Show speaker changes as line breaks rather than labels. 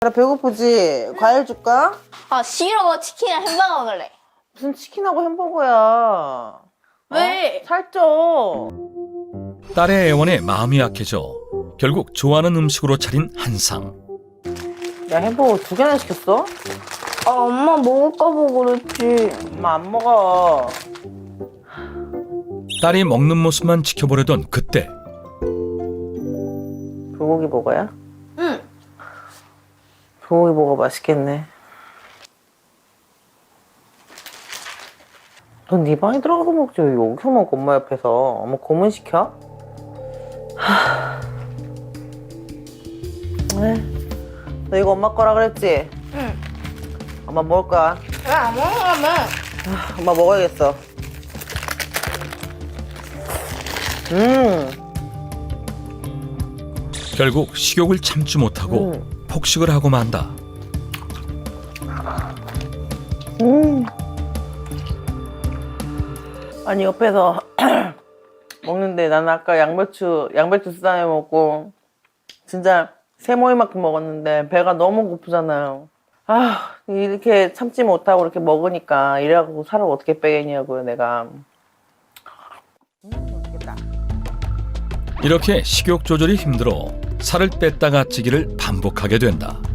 나 배고프지? 과일 줄까?
아 싫어. 치킨이랑 햄버거 먹을래.
무슨 치킨하고 햄버거야.
왜?
살쪄.
딸의 애원에 마음이 약해져 결국 좋아하는 음식으로 차린 한상.
야, 햄버거 2개나 시켰어?
아 엄마 먹을까 보고 그랬지.
엄마 안 먹어.
딸이 먹는 모습만 지켜보려던 그때
불고기 버거야?
응.
불고기 버거 맛있겠네. 넌 네 방에 들어가서 먹지 왜 여기서 먹어? 엄마 옆에서. 엄마 고문 시켜? 너 이거 엄마 거라 그랬지?
응.
엄마 먹을 거야.
왜 안 먹으라며?
엄마 먹어야겠어.
결국 식욕을 참지 못하고 폭식을 하고 만다.
아니 옆에서 먹는데 나는 아까 양배추 쌈에 먹고 진짜 세모이만큼 먹었는데 배가 너무 고프잖아요. 아 이렇게 참지 못하고 이렇게 먹으니까 이래갖고 살을 어떻게 빼겠냐고요 내가. 맛있겠다.
이렇게 식욕 조절이 힘들어 살을 뺐다가 찌기를 반복하게 된다.